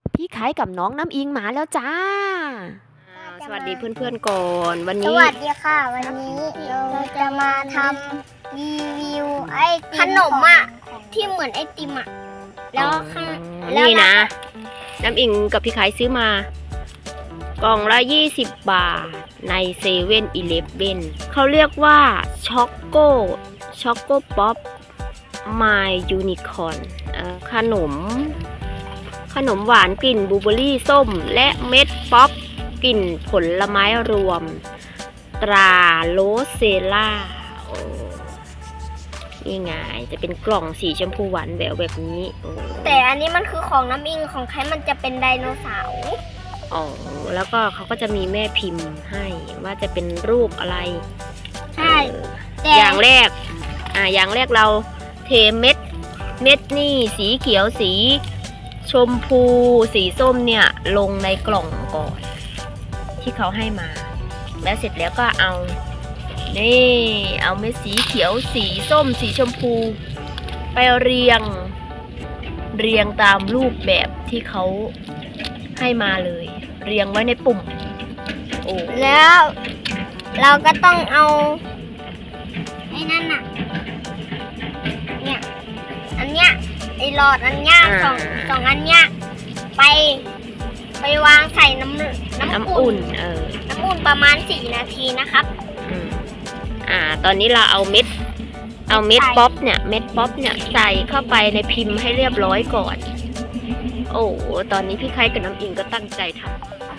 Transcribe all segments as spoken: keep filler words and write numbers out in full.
พี่ไข่กับน้องน้ำอิงมาแล้วจ้าสวัสดีเพื่อนๆก่อนวันสนี้วัสดีค่ะวันนี้เราจะมาทำรีวิวไอขนมอ่ะที่เหมือนไอติมอ่ะแล้วข้างนี่นะ น้ำอิงกับพี่ไข่ซื้อมากล่องละยี่สิบบาทในเซเว่นอีเลฟเว่นเขาเรียกว่าช็อกโกช็อกโกป๊อปมายยูนิคอร์นขนมขนมหวานกลิ่นบลูเบอร์รี่ส้มและเม็ดป๊อปกลิ่นผลไม้รวมตราโรสเซล่าโอ้นี่ไงจะเป็นกล่องสีชมพูหวานแหววแบบนี้แต่อันนี้มันคือของน้ำอิงของใครมันจะเป็นไดโนเสาร์อ๋อแล้วก็เขาก็จะมีแม่พิมพ์ให้ว่าจะเป็นรูปอะไรใช่อย่างแรกอ่าอย่างแรกเราเทเม็ดเม็ดนี่สีเขียวสีชมพูสีส้มเนี่ยลงในกล่องก่อนที่เขาให้มาแล้วเสร็จแล้วก็เอานี่เอาเม็ดสีเขียวสีส้มสีชมพูไปเรียงเรียงตามรูปแบบที่เขาให้มาเลยเรียงไว้ในปุ่มโอ้แล้วเราก็ต้องเอาไอ้นั่นน่ะเนี่ยอันเนี้ยไอ้หลอดอันเนี้ยสองสองอันเนี้ยไปไปวางใส่น้ำน้ำอุ่นเออน้ำอุ่นประมาณสี่นาทีนะครับอ่าตอนนี้เราเอาเม็ดเอาเม็ดป๊อปเนี่ยเม็ดป๊อปเนี่ยใส่เข้าไปในพิมพ์ให้เรียบร้อยก่อนโอ้ตอนนี้พี่ไข่กับน้ำอิงก็ตั้งใจทำ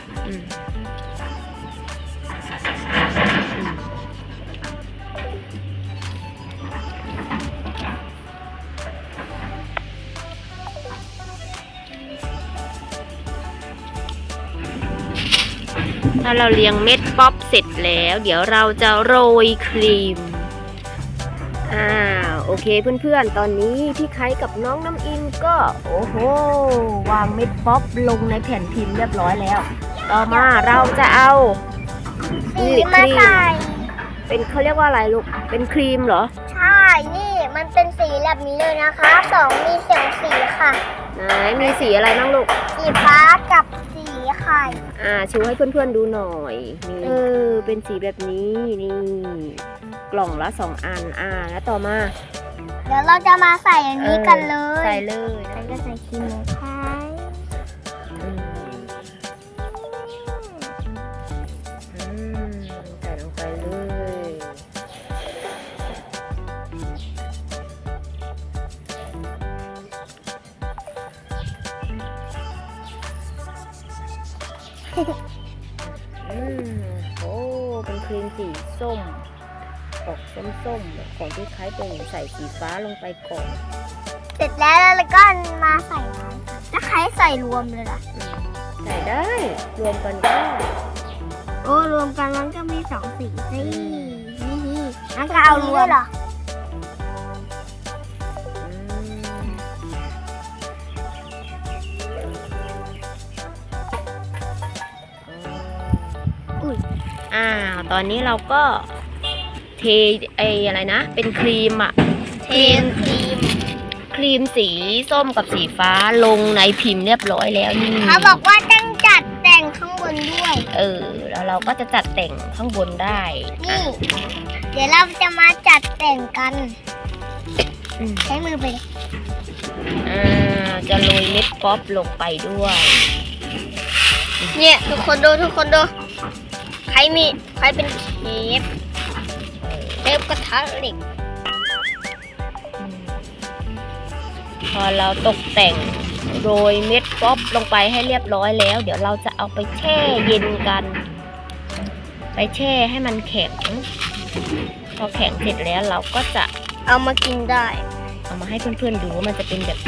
ถ้าเราเรียงเม็ดป๊อปเสร็จแล้วเดี๋ยวเราจะโรยครีมอ่าโอเคเพื่อนๆตอนนี้พี่ไข่กับน้องน้ำอิงก็โอ้โหวางเม็ดป๊อปลงในแผ่นพิมพ์เรียบร้อยแล้วต่อมาเราจะเอาสีมาใส่เป็นเขาเรียกว่าอะไรลูกเป็นครีมเหรอใช่นี่มันเป็นสีแบบนี้เลยนะคะสองมีเสียงสีค่ะไหนมีสีอะไรบ้างลูกสีฟ้ากับสีไข่อ่าชูให้เพื่อนๆดูหน่อยนี่เออเป็นสีแบบนี้นี่กล่องละสองอันอ่าแล้วต่อมาเดี๋ยวเราจะมาใส่อันนี้กันเลยใส่เลยแล้วก็ใส่ครีมนะคะใส่ลงไปเลยอืมโอ้เป็นครีมสีส้มออกส้มๆของที่คล้ายเป็นใส่สีฟ้าลงไปก่อนเสร็จแล้วแล้วก็มาใส่น้ำถ้าใครใส่รวมเลยล่ะใส่ได้รวมกันก็โอ้รวมกันมันก็มีสองสีสินี่งั้นก็เอารวมเหรออุ้ยอ่าตอนนี้เราก็เทไออะไรนะเป็นครีมอะเทครีมครีมสีส้มกับสีฟ้าลงในพิมพ์เรียบร้อยแล้วนี่เขาบอกว่าต้องจัดแต่งข้างบนด้วยเออแล้วเราก็จะจัดแต่งข้างบนได้นี่เดี๋ยวเราจะมาจัดแต่งกันใช้มือไปอ่าจะโรยเม็ดป๊อปลงไปด้วยเนี่ยทุกคนดูทุกคนดูใครมีใครเป็นเชฟเชฟกระทะเหล็กพอเราตกแต่งโรยเม็ดป๊อปลงไปให้เรียบร้อยแล้วเดี๋ยวเราจะเอาไปแช่เย็นกันไปแช่ให้มันแข็งพอแข็งเสร็จแล้วเราก็จะเอามากินได้เอามาให้เพื่อนๆดูว่ามันจะเป็นแบบไหน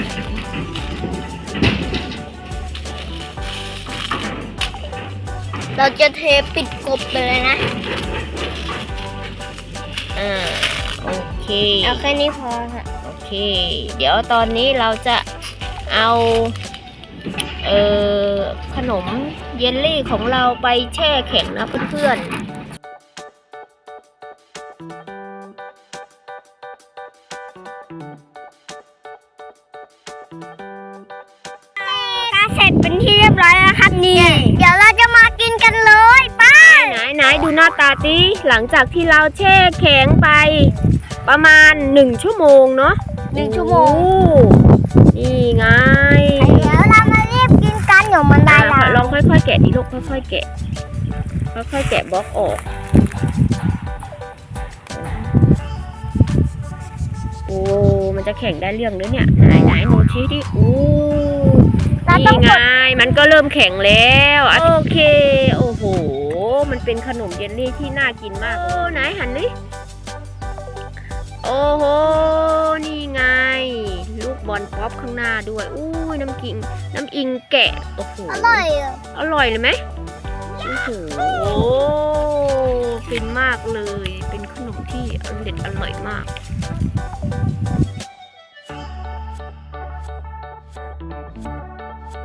เราจะเทปิดกบไปเลยนะอ่าโอเคเอาแค่นี้พอค่ะโอเคเดี๋ยวตอนนี้เราจะเอาเอ่อขนมเยลลี่ของเราไปแช่แข็งนะเพื่อนๆก็เสร็จเป็นที่เรียบร้อยแล้วครับนี่เดี๋ยวเราจะมากินกันเลยไป้าไหนไหนดูหน้าตาติหลังจากที่เราแช่แข็งไปประมาณหนึ่งชั่วโมงเนาะหนึ่งชั่วโมงโอ้นี่ไงเดี๋ยวเรามารีบกินกันเดี๋ยวมันได้อ่ะละลองค่อยๆแกะดิลูกค่อยๆแกะค่อยๆแกะบล็อกออกโอ้มันจะแข็งได้เรื่องด้วยเนี่ยไหนไหนหนูชี้ดิโอ้เราต้อนี่งไงกดมันก็เริ่มแข็งแล้วโอเคโอ้โหมันเป็นขนมเยลลี่ที่น่ากินมากโอ้ไหนหันดิโอ้โหนี่ไงลูกบอลป๊อปข้างหน้าด้วยอุ้ยน้ำกิงน้ำอิงแกะโอ้โหอร่อยอ่ะอร่อยเลยไหมโอ้โหฟินมากเลยเป็นขนมที่อร่อยอร่อยมาก